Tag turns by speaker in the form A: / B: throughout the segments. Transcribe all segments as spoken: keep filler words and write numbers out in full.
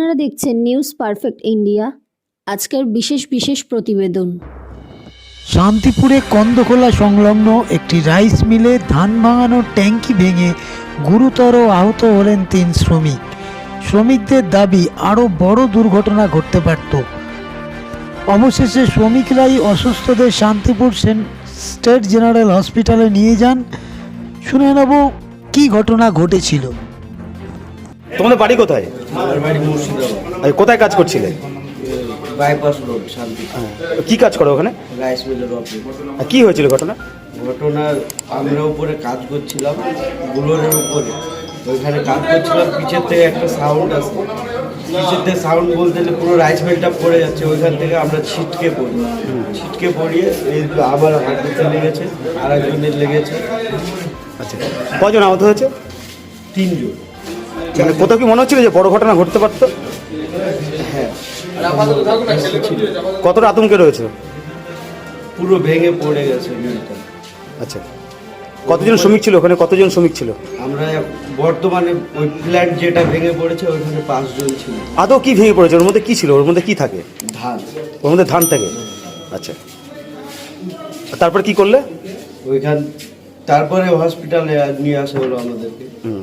A: আপনারা দেখছেন news perfect India. আজকের বিশেষ বিশেষ প্রতিবেদন।
B: শান্তিপুরে কন্দখোলা সংলগ্ন একটি রাইস মিলে ধান ভাঙানোর ট্যাঙ্কি ভেঙে গুরুতর আহত হলেন তিন শ্রমিক। শ্রমিকদের দাবি আরও বড় দুর্ঘটনা ঘটতে পারত। অবশেষে শ্রমিকরাই অসুস্থদের শান্তিপুর স্টেট জেনারেল হসপিটালে নিয়ে যান। শুনে নেব কি ঘটনা ঘটেছিল।
C: তোমাদের বাড়ি কোথায়?
D: আমার বাড়ি মুর্শিদাবাদ।
C: আর কোথায় কাজ করছিলে?
D: বাইপাস রোড শান্তি।
C: কি কাজ করো ওখানে?
D: রাইস মিলের অফিস।
C: আর কি হয়েছিল ঘটনা?
D: ঘটনার আমরা উপরে কাজ করছিলাম, বুলোরের উপরে। ওইখানে কাজ করছিলাম, পিছের থেকে একটা সাউন্ড আসে। পিছের থেকে সাউন্ড বলতে গেলে পুরো রাইস মিলটা পড়ে যাচ্ছে। ওইখান থেকে আমরা ছিটকে পড়ি। ছিটকে পড়িয়ে এই আমার হাঁটুতে লেগেছে, আর একজনের লেগেছে।
C: আচ্ছা, কজন আহত হয়েছে?
D: তিনজন।
C: মানে কোথাও কি মনে হচ্ছিল যে বড় ঘটনা ঘটতে পারতো?
D: হ্যাঁ,
C: কতটা আতঙ্কে রয়েছে?
D: পুরো ভেঙে পড়ে গেছে মিলটা।
C: আচ্ছা, কতজন শ্রমিক ছিল ওখানে? কতজন শ্রমিক ছিল?
D: আমরা বর্তমানে ওই প্ল্যান্ট যেটা ভেঙে পড়েছে ওইখানে পাঁচজন ছিল।
C: আদৌ কি ভেঙে পড়েছে? ওর মধ্যে কি ছিল? ওর মধ্যে কি থাকে?
D: ধান।
C: ওর মধ্যে ধান থাকে। আচ্ছা, তারপর কি করলে?
D: ওইখান তারপরে হসপিটালে নিয়ে আসা হলো আমাদেরকে।
C: হুম,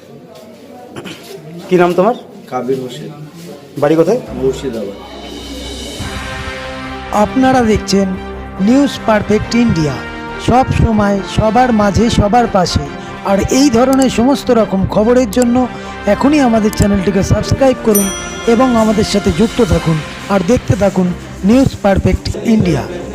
C: কি নাম তোমার?
D: কাবির হোসেন।
C: বাড়ি কোথায়?
D: মুর্শিদাবাদ।
B: আপনারা দেখছেন নিউজ পারফেক্ট ইন্ডিয়া, সব সময় সবার মাঝে সবার পাশে। আর এই ধরনের সমস্ত রকম খবরের জন্য এখনই আমাদের চ্যানেলটিকে সাবস্ক্রাইব করুন এবং আমাদের সাথে যুক্ত থাকুন আর দেখতে থাকুন নিউজ পারফেক্ট ইন্ডিয়া।